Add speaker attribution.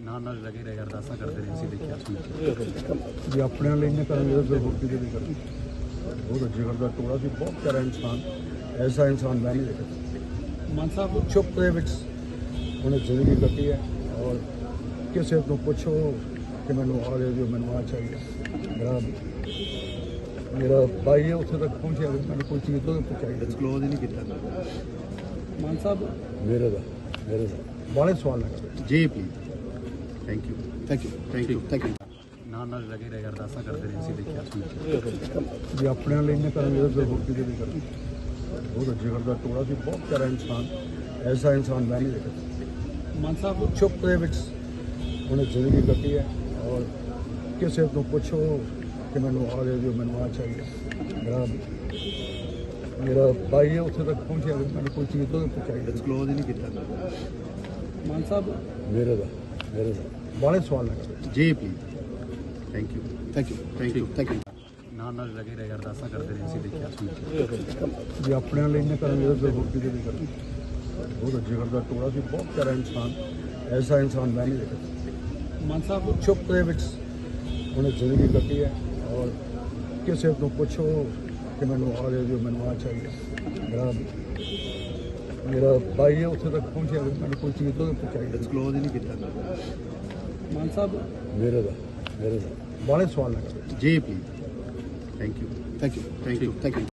Speaker 1: ਨਾਲ ਲੱਗੇ ਰਹੇ ਅਰਦਾਸਾਂ ਕਰਦੇ ਰਹੇ ਅਸੀਂ ਦੇਖਿਆ ਸੁਣ
Speaker 2: ਜੇ ਆਪਣੇ ਲਈ ਨਾ ਕਰਾਂਗੇ ਤਾਂ ਹੋਕੀ ਦੇ ਵੀ ਕਰਾਂਗੇ। ਬਹੁਤ ਜਿਗਰ ਦਾ ਟੋੜਾ ਸੀ, ਬਹੁਤ ਪਿਆਰਾ ਇਨਸਾਨ, ਐਸਾ ਇਨਸਾਨ ਮੈਂ ਨਹੀਂ ਦੇਖਿਆ।
Speaker 1: ਮਾਨ ਸਾਹਿਬ
Speaker 2: ਚੁੱਪ ਦੇ ਵਿੱਚ ਉਹਨੇ ਜ਼ਿੰਦਗੀ ਕੱਟੀ ਹੈ ਔਰ ਕਿਸੇ ਤੋਂ ਪੁੱਛੋ ਕਿ ਮੈਨੂੰ ਆ ਦੇ ਦਿਓ, ਮੈਨੂੰ ਆ ਚਾਹੀਦਾ। ਮੇਰਾ ਭਾਈ ਹੈ ਉੱਥੇ ਤੱਕ ਪਹੁੰਚਿਆ, ਮੈਨੂੰ ਕੋਈ ਚੀਜ਼ ਤੋਂ ਪਹੁੰਚਾਈ
Speaker 1: ਡਿਸਕਲੋਜ਼ ਹੀ ਨਹੀਂ ਕੀਤਾ। ਮਾਨ ਸਾਹਿਬ
Speaker 2: ਮੇਰੇ ਦਾ ਬਾਲੇ ਸਵਾਲ ਲੱਗਾ
Speaker 1: ਜੀ ਪਲੀਜ਼। ਥੈਂਕ ਯੂ ਨਾਲ ਲੱਗੇ ਰਹੇ ਅਰਦਾਸਾਂ ਕਰਦੇ ਰਹੇ ਅਸੀਂ ਦੇਖਿਆ ਸੁਣ
Speaker 2: ਜੇ ਆਪਣੇ ਲਈ ਨਾ ਕਰਾਂਗੇ ਤਾਂ ਹੋਕੀ ਦੇ ਵੀ ਕਰਾਂਗੇ। ਬਹੁਤ ਜਿਗਰ ਦਾ ਟੋੜਾ ਸੀ, ਬਹੁਤ ਪਿਆਰਾ ਇਨਸਾਨ, ਐਸਾ ਇਨਸਾਨ ਮੈਂ ਨਹੀਂ ਦੇਖਿਆ।
Speaker 1: ਮਾਨ ਸਾਹਿਬ
Speaker 2: ਚੁੱਪ ਦੇ ਵਿੱਚ ਉਹਨੇ ਜ਼ਿੰਦਗੀ ਕੱਟੀ ਹੈ ਔਰ ਕਿਸੇ ਤੋਂ ਪੁੱਛੋ ਕਿ ਮੈਨੂੰ ਆ ਦੇ ਦਿਓ, ਮੈਨੂੰ ਆ ਚਾਹੀਦਾ। ਮੇਰਾ ਭਾਈ ਹੈ ਉੱਥੇ ਤੱਕ ਪਹੁੰਚਿਆ, ਮੈਨੂੰ ਕੋਈ ਚੀਜ਼ ਤੋਂ ਪਹੁੰਚਾਈ
Speaker 1: ਡਿਸਕਲੋਜ਼ ਹੀ ਨਹੀਂ ਕੀਤਾ। ਮਾਨ ਸਾਹਿਬ
Speaker 2: ਮੇਰੇ ਦਾ ਬਾਲੇ ਸਵਾਲ ਲੱਗਾ
Speaker 1: ਜੀ ਪਲੀਜ਼। ਥੈਂਕ ਯੂ ਨਾਲ ਲੱਗੇ ਰਹੇ ਅਰਦਾਸਾਂ ਕਰਦੇ ਰਹੇ ਅਸੀਂ ਦੇਖਿਆ ਸੁਣ
Speaker 2: ਜੇ ਆਪਣੇ ਲਈ ਨਾ ਕਰਾਂਗੇ ਤਾਂ ਹੋਕੀ ਦੇ ਵੀ ਕਰਾਂਗੇ। ਬਹੁਤ ਜਿਗਰ ਦਾ ਟੋੜਾ ਸੀ, ਬਹੁਤ ਪਿਆਰਾ ਇਨਸਾਨ, ਐਸਾ ਇਨਸਾਨ ਮੈਂ ਨਹੀਂ ਦੇਖਿਆ।
Speaker 1: ਮਾਨ ਸਾਹਿਬ
Speaker 2: ਚੁੱਪ ਦੇ ਵਿੱਚ ਉਹਨੇ ਜ਼ਿੰਦਗੀ ਕੱਟੀ ਹੈ ਔਰ ਕਿਸੇ ਤੋਂ ਪੁੱਛੋ ਕਿ ਮੈਨੂੰ ਆ ਦੇ ਦਿਓ, ਮੈਨੂੰ ਆ ਚਾਹੀਦਾ। ਮੇਰਾ ਭਾਈ ਹੈ ਉੱਥੇ ਤੱਕ ਪਹੁੰਚਿਆ, ਮੈਨੂੰ ਕੋਈ ਚੀਜ਼ ਤੋਂ ਪਹੁੰਚਾਈ
Speaker 1: ਡਿਸਕਲੋਜ਼ ਹੀ ਨਹੀਂ ਕੀਤਾ। ਮਾਨ ਸਾਹਿਬ
Speaker 2: ਮੇਰੇ ਦਾ ਬਾਲੇ ਸਵਾਲ ਲੱਗਾ
Speaker 1: ਜੀ ਪਲੀਜ਼। Thank you